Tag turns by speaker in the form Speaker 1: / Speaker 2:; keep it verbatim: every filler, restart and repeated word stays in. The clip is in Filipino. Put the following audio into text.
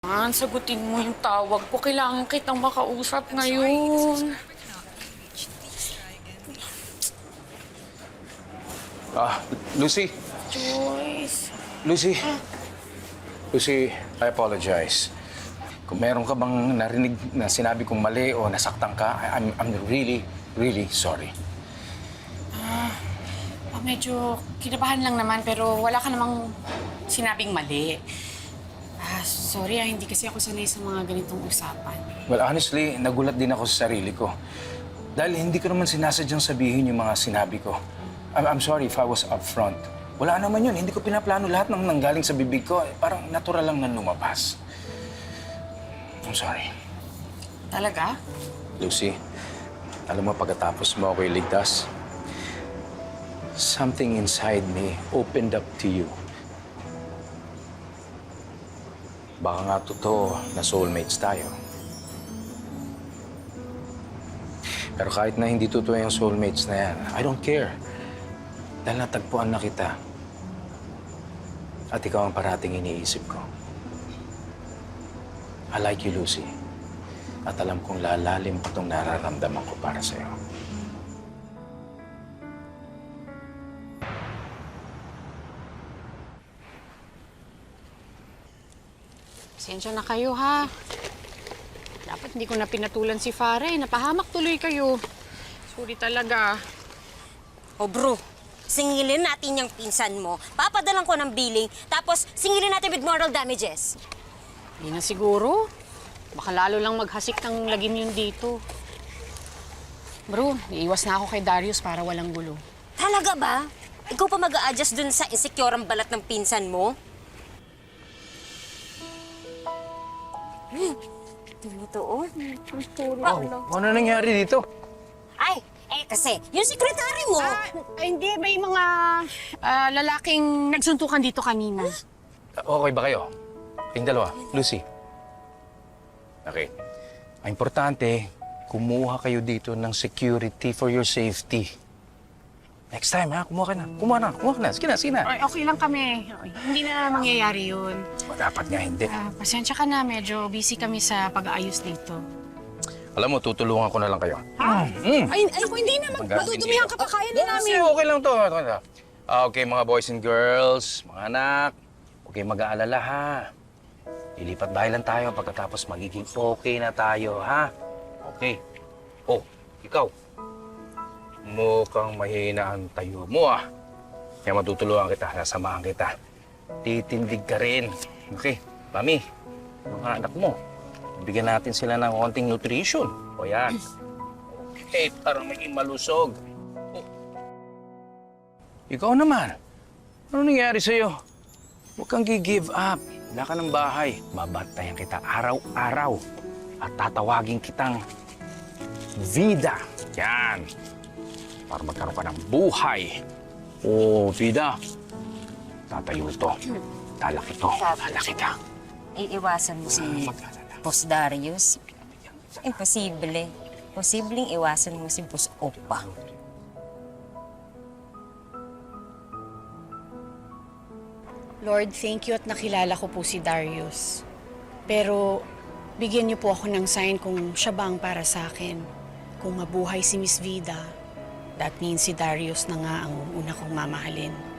Speaker 1: Man, sagutin mo yung tawag ko. Kailangan kitang makausap ngayon.
Speaker 2: Ah, Lucy.
Speaker 1: Joyce.
Speaker 2: Lucy. Lucy, I apologize. Kung meron ka bang narinig na sinabi kong mali o nasaktan ka, I- I'm, I'm really, really sorry.
Speaker 1: Ah, ah, medyo kinabahan lang naman pero wala ka namang sinabing mali. Ah, sorry ah, hindi kasi ako sanay sa mga ganitong usapan.
Speaker 2: Well, honestly, nagulat din ako sa sarili ko. Dahil hindi ko naman sinasadyang sabihin yung mga sinabi ko. I'm, I'm sorry if I was upfront. Wala naman yun. Hindi ko pinaplano lahat ng nanggaling sa bibig ko. Parang natural lang na lumabas. I'm sorry.
Speaker 1: Talaga?
Speaker 2: Lucy, alam mo, pagkatapos mo ako iligtas, something inside me opened up to you. Baka nga totoo na soulmates tayo. Pero kahit na hindi totoo yung soulmates na yan, I don't care. Dahil natagpuan na kita. At ikaw ang parating iniisip ko. I like you, Lucy. At alam kong lalalim pa itong nararamdaman ko para sa'yo.
Speaker 1: Pasensya na kayo ha. Dapat hindi ko na pinatulan si Farah eh. Napahamak tuloy kayo. Sorry talaga.
Speaker 3: O bro, singilin natin yung pinsan mo. Papadalan ko ng billing, tapos singilin natin with moral damages.
Speaker 1: Hindi na siguro. Baka lalo lang maghasik ng lagim yun dito. Bro, iiwas na ako kay Darius para walang gulo.
Speaker 3: Talaga ba? Ikaw pa mag-a-adjust dun sa insecure ang balat ng pinsan mo? Hmm. Totoo?
Speaker 2: Oh, ano nangyari dito?
Speaker 3: Ay, eh kasi, yung sekretary mo.
Speaker 1: Ah, hindi. May mga ah, lalaking nagsuntukan dito kanina.
Speaker 2: Okay ba kayo? Yung dalawa, Lucy. Okay. Ang importante, kumuha kayo dito ng security for your safety. Next time, ha? Kumuha ka na. Kumuha na. Kumuha ka na. Sige na, sige na.
Speaker 1: Ay, okay lang kami. Hindi na mangyayari yun.
Speaker 2: O, dapat nga hindi.
Speaker 1: Ah, pasensya ka na. Medyo busy kami sa pag-aayos dito.
Speaker 2: Alam mo, tutulungan ko na lang kayo.
Speaker 1: Ha?
Speaker 2: Mm.
Speaker 1: Ay, ay, ako hindi naman.
Speaker 2: Hanggang
Speaker 1: Madudumihan ka pa. Kaya na namin.
Speaker 2: Kasi okay lang to. Ah, okay, mga boys and girls, mga anak, huwag kayong mag-aalala, ha? Ilipat bahay lang tayo pagkatapos magiging okay na tayo, ha? Okay. Oh, ikaw. Mukhang mahina ang tayo mo, ah. Kaya matutulungan kita, sasamahan kita. Titindig ka rin. Okay, Mami, mga anak mo, bigyan natin sila ng konting nutrition. O yan. Okay, para maging malusog. Oh. Ikaw naman, ano nangyari sa'yo? Huwag kang gi-give up. Wala ka ng bahay. Babantayan kita araw-araw. At tatawagin kitang Vida. Yan. Para magkaroon ka ng buhay. Oh, Vida. Tatayo ito. Talaki ito. Talaki ka.
Speaker 3: Iiwasan mo si
Speaker 2: Mag-alala.
Speaker 3: Boss Darius. Imposible. Posibleng iwasan mo si Boss Opa.
Speaker 1: Lord, thank you at nakilala ko po si Darius. Pero bigyan niyo po ako ng sign kung siya ba ang para sa akin. Kung mabuhay si Miss Vida, that means si Darius na nga ang una kong mamahalin.